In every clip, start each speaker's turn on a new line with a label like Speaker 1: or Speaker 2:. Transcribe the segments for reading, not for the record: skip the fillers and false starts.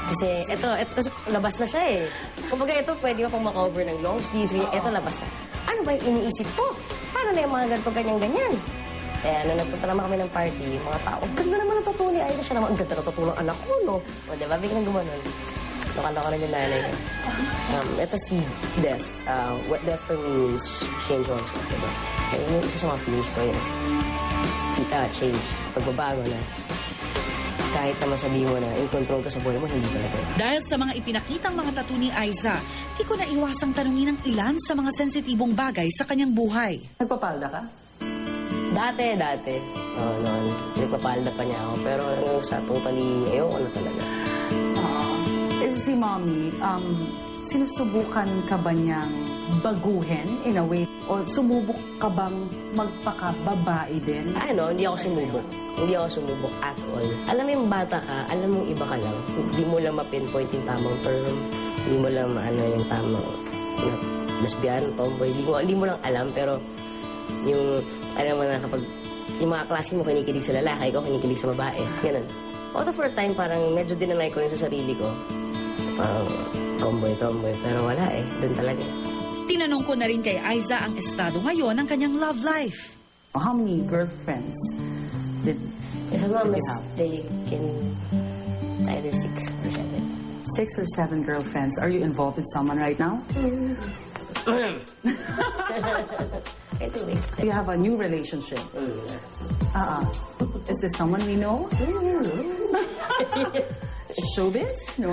Speaker 1: Kasi ito, labas na siya eh. Kumbaga ito, pwede mo pang makover ng long sleeves. Ito, labas na. Ano ba yung iniisip ko? Paano na yung mga ganito, ganyan-ganyan? Kaya nung nagpunta naman kami ng party, yung mga tao, ang ganda naman ng tattoo ni Aiza. Siya naman, ang ganda ng tattoo ng anak ko, no? O, diba? Biglang gumanon. Nakala ko rin yung nanay ko. Ito si Death. What Death for me means change also, diba? Kaya yung isa sa mga feelings ko yun. Change. Pagbabago na. Kahit na masabihin mo na in control ka sa buhay mo, hindi talaga.
Speaker 2: Dahil sa mga ipinakitang mga tattoo ni Aiza, di ko na iwasang tanungin ang ilan sa mga sensitibong bagay sa kanyang buhay.
Speaker 3: Nagpapalda ka?
Speaker 1: Dati. Oo, noon. Nagpapalda pa niya ako. Pero sa totally, ayoko na talaga.
Speaker 3: Si Mommy, sinusubukan ka ba niyang baguhin in a way? O sumubok ka bang magpakababae din?
Speaker 1: Hindi ako sumubok. Hindi ako sumubok at all. Alam mo yung bata ka, alam mo iba ka lang. Hindi mo lang ma-pinpoint yung tamang term. Hindi mo lang yung tamang lesbian, tomboy. Hindi mo lang alam, pero yung, alam mo na kapag yung mga klase mo kinikilig sa lalaki, ikaw kinikilig sa babae. Ganun. Out of our time, parang medyo dinanay ko rin sa sarili ko. Parang tomboy. Pero wala eh. Doon talaga.
Speaker 2: Tinanong ko na rin kay Aiza ang estado ngayon ng kanyang love life.
Speaker 3: How many girlfriends did
Speaker 1: If I'm not
Speaker 3: you have?
Speaker 1: mistaken, it's either 6 or 7.
Speaker 3: 6 or 7 girlfriends. Are you involved with someone right now?
Speaker 1: Ito eh.
Speaker 3: You have a new relationship. Is this someone we know? Showbiz? No.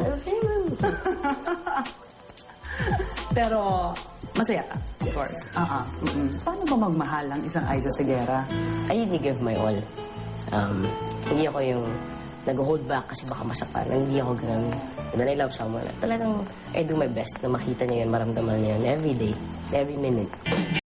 Speaker 3: Pero masaya ka, of course. Paano ba magmahal ang isang Aiza Seguera?
Speaker 1: I really give my all. Hindi ako yung nag-hold back kasi baka masaktan. Hindi ako ganun. When I love someone, talagang I do my best na makita niya yun, maramdaman niya yun every day, every minute.